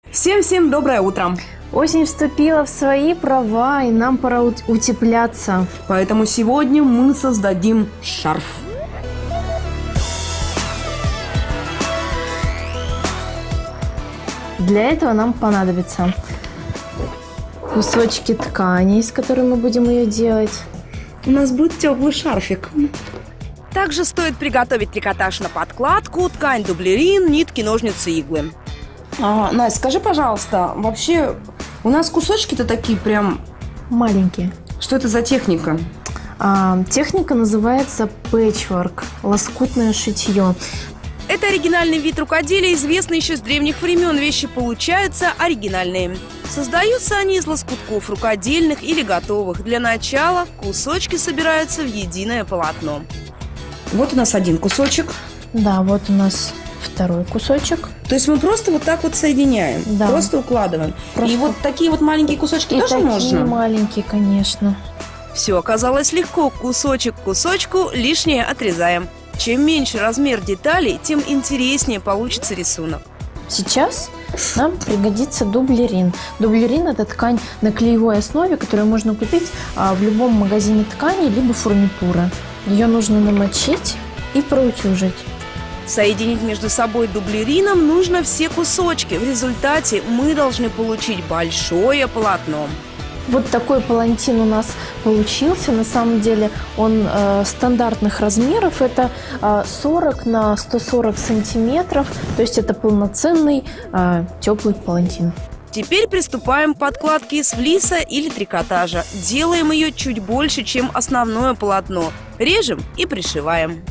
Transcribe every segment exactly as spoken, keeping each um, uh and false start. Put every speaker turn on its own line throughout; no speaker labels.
Всем-всем доброе утро!
Осень вступила в свои права, и нам пора ут- утепляться.
Поэтому сегодня мы создадим шарф.
Для этого нам понадобятся кусочки ткани, из которой мы будем ее делать.
У нас будет теплый шарфик.
Также стоит приготовить трикотаж на подкладку, ткань дублерин, нитки, ножницы, иглы.
А, Настя, скажи, пожалуйста, вообще у нас кусочки-то такие прям...
Маленькие.
Что это за техника?
А, техника называется пэтчворк, лоскутное шитье.
Это оригинальный вид рукоделия, известный еще с древних времен. Вещи получаются оригинальные. Создаются они из лоскутков рукодельных или готовых. Для начала кусочки собираются в единое полотно.
Вот у нас один кусочек.
Да, вот у нас второй кусочек.
То есть мы просто вот так вот соединяем,
Да.
просто укладываем.
Просто-
И вот такие вот маленькие кусочки
И
тоже
такие
можно?
маленькие, конечно.
Все оказалось легко. Кусочек к кусочку, лишнее отрезаем. Чем меньше размер деталей, тем интереснее получится рисунок.
Сейчас нам пригодится дублерин. Дублерин – это ткань на клеевой основе, которую можно купить а, в любом магазине ткани либо фурнитуры. Ее нужно намочить и проутюжить.
Соединить между собой дублерином нужно все кусочки. В результате мы должны получить большое полотно.
Вот такой палантин у нас получился. На самом деле он э, стандартных размеров. Это э, сорок на сто сорок сантиметров. То есть это полноценный э, теплый палантин.
Теперь приступаем к подкладке из флиса или трикотажа. Делаем ее чуть больше, чем основное полотно. Режем и пришиваем.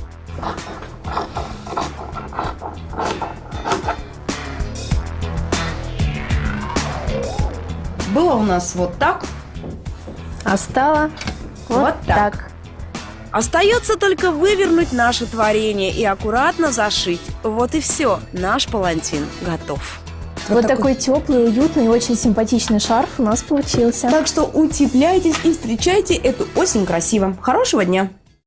Было у нас вот так.
А стало вот,
Вот так.
так.
Остается только вывернуть наше творение и аккуратно зашить. Вот и все. Наш палантин готов.
Вот,
Вот
такой теплый, уютный и очень симпатичный шарф у нас получился.
Так что утепляйтесь и встречайте эту осень красиво. Хорошего дня!